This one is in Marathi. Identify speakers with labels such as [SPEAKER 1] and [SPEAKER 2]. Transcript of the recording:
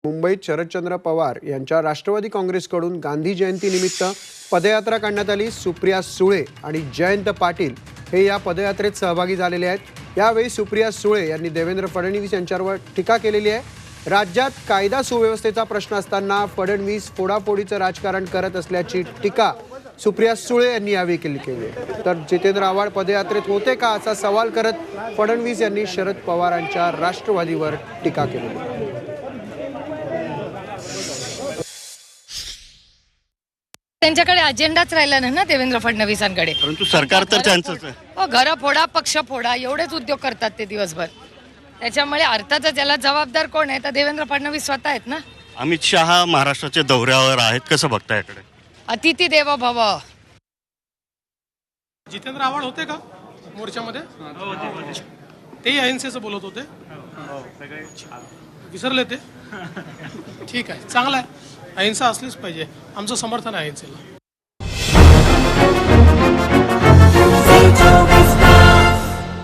[SPEAKER 1] मुंबईत शरदचंद्र पवार यांच्या राष्ट्रवादी काँग्रेसकडून गांधी जयंतीनिमित्त पदयात्रा काढण्यात आली। सुप्रिया सुळे आणि जयंत पाटील हे या पदयात्रेत सहभागी झालेले आहेत। यावेळी सुप्रिया सुळे यांनी देवेंद्र फडणवीस यांच्यावर टीका केलेली आहे। राज्यात कायदा सुव्यवस्थेचा प्रश्न असताना फडणवीस फोडाफोडीचं राजकारण करत असल्याची टीका सुप्रिया सुळे यांनी यावेळी केली आहे। तर जितेंद्र आव्हाड पदयात्रेत होते का असा सवाल करत फडणवीस यांनी शरद पवारांच्या राष्ट्रवादीवर टीका केली।
[SPEAKER 2] त्यांच्याकडे अजेंडाच राहिला नाही ना देवेंद्र फडणवीसांकडे।
[SPEAKER 3] परंतु सरकार तर त्यांचंच आहे।
[SPEAKER 2] हो, घर फोडा पक्ष फोडा एवढेच उद्योग करतात ते दिवसभर। त्याच्यामुळे अर्थातच त्याला जबाबदार कोण आहे तर देवेंद्र फडणवीस स्वतः आहेत ना।
[SPEAKER 3] अमित शहा महाराष्ट्राच्या दौऱ्यावर आहेत, कसं बघता याकडे?
[SPEAKER 2] अतिथी देवो भव।
[SPEAKER 4] जितेंद्र आव्हाड होते का मोर्चामध्ये? तेही अहिंसेचं बोलत होते, विसरले ते? ठीक आहे, चांगलं आहे, अहिंसा असलीच पाहिजे, आमचं समर्थन आहे अहिंसेला।